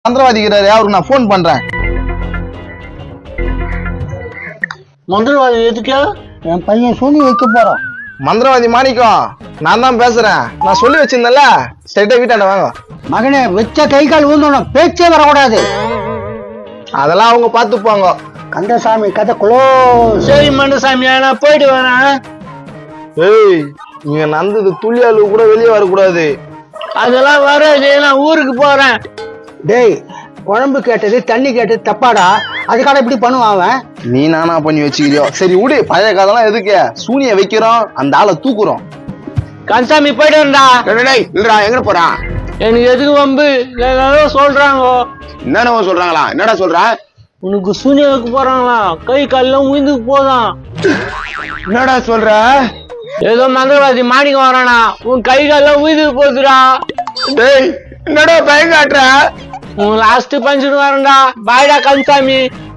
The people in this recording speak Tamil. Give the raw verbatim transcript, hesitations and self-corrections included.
மந்திரவாதிக்கிறாரு, அவருக்கு நான் போன் பண்றேன். மந்திரவாதி எதுக்கு? என் பையன் சூனி வைக்க போறான். மந்திரவாதி மாணிக்கம், நான் தான் பேசுறேன். நான் சொல்லி வச்சிருந்தேன்ல, ஸ்ட்ரைட்டா வீட்டாண்ட வாங்க. மகனே, வச்ச கை கால் ஊந்தணும், பேச்சே வரக்கூடாது. அதெல்லாம் அவங்க பாத்துப்பாங்க. கந்தசாமி கதை குளோ. சரி மண்டசாமி, நான் போயிட்டு வரேன். ஏய், நீங்க நந்தது துளி அளவு கூட வெளியே வரக்கூடாது. அதெல்லாம் வராது, நான் ஊருக்கு போறேன். டேய், குழம்பு கேட்டது தண்ணி கேட்டது தப்பாடா, அதுக்காக இப்படி பண்ணுவான் அவன். நீ நானா பண்ணி வச்சுக்கிறியோ? சரி விடு, பழைய கதைலாம் எதுக்கு? சூனிய வைக்கிறோம், அந்த ஆளை தூக்குறோம். கந்தசாமி போயிட்டு வரா. இல்லடா, எங்க போறான்? எனக்கு எதுக்கு வம்பு? எல்லாரும் சொல்றாங்க. என்னென்ன சொல்றாங்களா? என்னடா சொல்ற? உனக்கு சூனியாவுக்கு போறாங்களா? கை கால்லாம் உயிந்துக்கு போதான். என்னடா சொல்ற? ஏதோ மந்திரவாதி மாணிக்கம் வரானா, உன் கை கால்லாம் உயிந்துக்கு போகுதுடா. டேய், என்னடா பயம் காட்டுற? உன் லாஸ்ட் பஞ்சுட்டு வரேன்டா. பாய்டா கந்தசாமி.